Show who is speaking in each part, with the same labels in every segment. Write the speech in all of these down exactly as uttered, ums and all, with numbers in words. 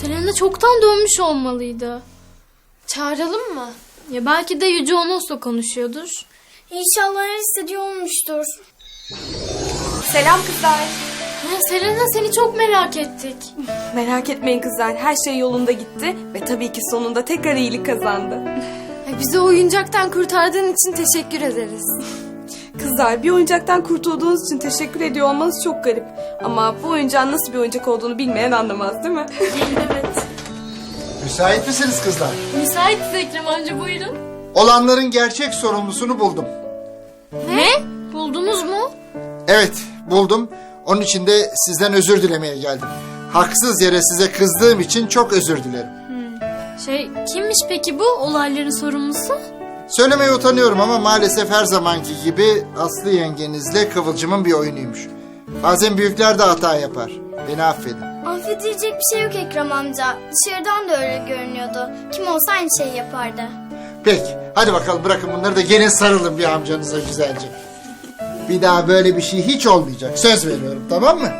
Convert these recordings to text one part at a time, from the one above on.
Speaker 1: Selena çoktan dönmüş olmalıydı.
Speaker 2: Çağıralım mı?
Speaker 1: Ya belki de Yüce Onos'la konuşuyordur.
Speaker 3: İnşallah her istediği olmuştur.
Speaker 2: Selam kızlar.
Speaker 1: Ha, Selena seni çok merak ettik.
Speaker 2: Merak etmeyin kızlar, her şey yolunda gitti ve tabii ki sonunda tekrar iyilik kazandı.
Speaker 1: Ya, bizi oyuncaktan kurtardığın için teşekkür ederiz.
Speaker 2: Kızlar, bir oyuncaktan kurtulduğunuz için teşekkür ediyor olmanız çok garip. Ama bu oyuncağın nasıl bir oyuncak olduğunu bilmeyen anlamaz, değil mi?
Speaker 1: Evet.
Speaker 4: Müsait misiniz kızlar?
Speaker 1: Müsaitiz Ekrem amca, buyurun.
Speaker 4: Olanların gerçek sorumlusunu buldum.
Speaker 1: Ne? Buldunuz mu?
Speaker 4: Evet, buldum. Onun için de sizden özür dilemeye geldim. Haksız yere size kızdığım için çok özür dilerim.
Speaker 1: Şey, kimmiş peki bu olayların sorumlusu?
Speaker 4: Söylemeye utanıyorum ama maalesef her zamanki gibi Aslı yengenizle Kıvılcım'ın bir oyunuymuş. Bazen büyükler de hata yapar. Beni affedin.
Speaker 3: Affedilecek bir şey yok Ekrem amca. Dışarıdan da öyle görünüyordu. Kim olsa aynı şeyi yapardı.
Speaker 4: Peki, hadi bakalım bırakın bunları da gelin sarılın bir amcanıza güzelce. Bir daha böyle bir şey hiç olmayacak. Söz veriyorum, tamam mı?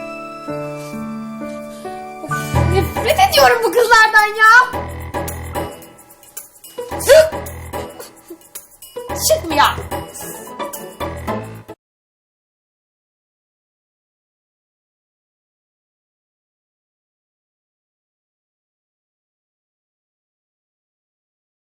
Speaker 3: Nefret ediyorum bu kızlardan ya.
Speaker 2: Çıkmıyor.